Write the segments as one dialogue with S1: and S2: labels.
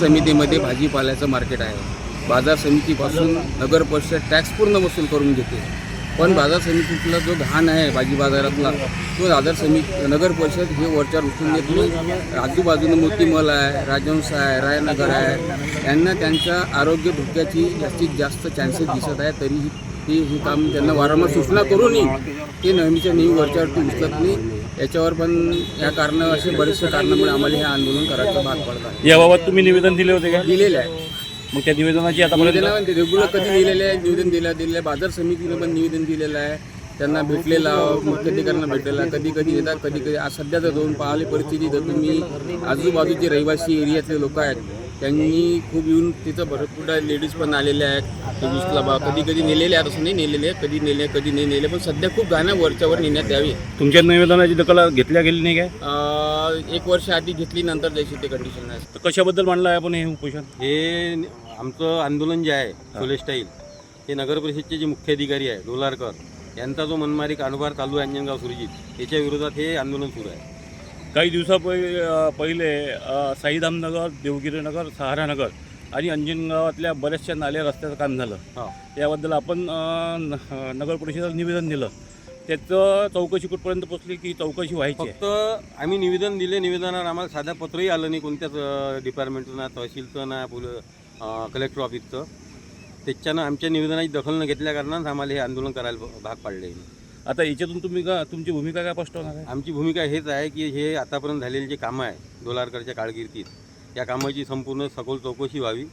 S1: समितीमध्ये भाजीपाल्याचं मार्केट आहे. बाजार समितीपासून नगर परिषद टॅक्स पूर्ण वसूल करून घेते, पण बाजार समितीतला जो घाण आहे भाजी बाजारातला तो नगर परिषद हे वरच्यावर उचलून देत नाही. आजूबाजूनं मोतीमल आहे, राजहंस आहे, रायनगर आहे, यांना त्यांच्या आरोग्य धोक्याची जास्तीत जास्त चान्सेस दिसत आहे. तरीही हे काम त्यांना वारंवार सूचना करूनही ते नेहमीच्या नेहमी वरच्यावरती उचलत नाही. याच्यावर पण या कारण असे बरेचसे कारणामुळे आम्हाला हे आंदोलन करायचं भाग पडत आहे.
S2: याबाबत तुम्ही निवेदन दिले होते का?
S1: दिलेलं आहे.
S2: मग त्या निवेदनाची आता
S1: रेग्युलर कधी दिलेलं आहे, निवेदन दिलेलं आहे. बाजार समितीनं पण निवेदन दिलेलं आहे. त्यांना भेटलेला, मुख्याधिकाऱ्यांना भेटलेला, कधी कधी येतात, कधी कधी आज सध्या जर जाऊन पाहिली परिस्थिती तर तुम्ही आजूबाजूचे रहिवासी एरियातले लोक आहेत त्यांनी खूप येऊन तिथं भरपूर लेडीज पण आलेल्या आहेत. वीसला कधी कधी नेलेले आहेत, असं नाही नेलेले आहेत, कधी नेले कधी नाही नेले, पण सध्या खूप गाणं वरच्यावर नेण्यात यावी.
S2: तुमच्या निवेदनाची दखल घेतल्या गेली नाही काय?
S1: 1 वर्ष आधी घेतली, नंतर जशी ते कंडिशन आहे.
S2: तर कशाबद्दल मांडलं आहे आपण हे उपोषण?
S3: हे आमचं आंदोलन जे आहे सोलेस्टाईल, हे नगर परिषदचे जे मुख्य अधिकारी आहे डोलारकर यांचा जो मनमारी कारभार चालू आहे अंजनगाव सुरजीत, याच्या विरोधात हे आंदोलन सुरू आहे.
S2: काही पहिले साईधामनगर, देवगिरीनगर, सहारानगर आणि अंजनगावातल्या बऱ्याचशा नाल्या रस्त्याचं काम झालं. याबद्दल आपण नगर परिषदेला निवेदन दिलं. त्याचं चौकशी कुठपर्यंत पोचली की चौकशी व्हायची?
S3: फक्त आम्ही निवेदन दिले, निवेदनावर आम्हाला साधा पत्रही आलं नाही कोणत्याच डिपार्टमेंटचं, ना तहसीलचं, ना कलेक्टर ऑफिसचं. त्याच्यानं आमच्या निवेदनाची दखल न घेतल्या कारणानं आम्हाला हे आंदोलन करायला भाग पाडले.
S2: आता याच्यातून तुमची भूमिका काय स्पष्ट होणार आहे?
S3: आमची भूमिका हेच आहे की हे आतापर्यंत झालेले जे कामं आहे डोलारकरच्या कारकिर्दीत, या कामाची संपूर्ण सखोल चौकशी व्हावी.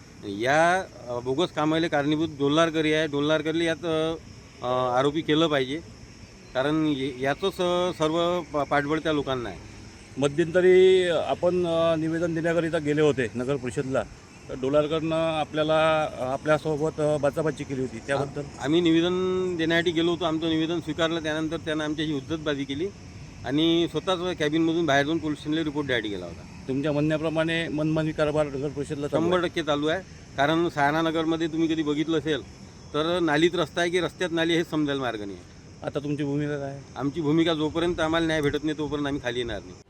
S3: या बोगस कामाला कारणीभूत डोलारकरी आहे. डोलारकरला यात आरोपी केलं पाहिजे, कारण याचंच सर्व पाठबळ त्या लोकांना आहे.
S2: मध्यंतरी आपण निवेदन देण्याकरिता गेले होते नगर परिषदला, तर डोलारकरनं आपल्यासोबत बाचाबाची केली होती. त्याबद्दल
S3: आम्ही निवेदन देण्यासाठी गेलो होतो. आमचं निवेदन स्वीकारलं. त्यानंतर त्यानं आमच्याशी हुज्जतबाजी केली आणि स्वतःच कॅबिनमधून बाहेर जाऊन पोलीस स्टेशनला रिपोर्ट द्यायसाठी गेला होता.
S2: तुमच्या म्हणण्याप्रमाणे मनमानी कारभार नगर परिषदला
S3: 100% चालू आहे. कारण सहारानगरमध्ये तुम्ही कधी बघितलं असेल तर नालीत रस्ता आहे की रस्त्यात नाली हेच समजायला मार्ग नाही आहे.
S2: आता तुमची भूमिका काय?
S3: आमची भूमिका जोपर्यंत आम्हाला न्याय भेटत नाही तोपर्यंत आम्ही खाली येणार नाही.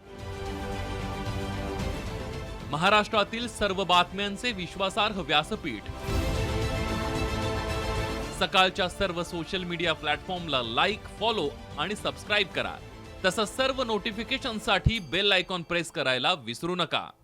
S4: महाराष्ट्रातील सर्व बातम्यांचे विश्वासार्ह व्यासपीठ, सकाळच्या सर्व सोशल मीडिया प्लॅटफॉर्मला लाईक, फॉलो आणि सबस्क्राईब करा. तसंच सर्व नोटिफिकेशनसाठी बेल आयकॉन प्रेस करायला विसरू नका.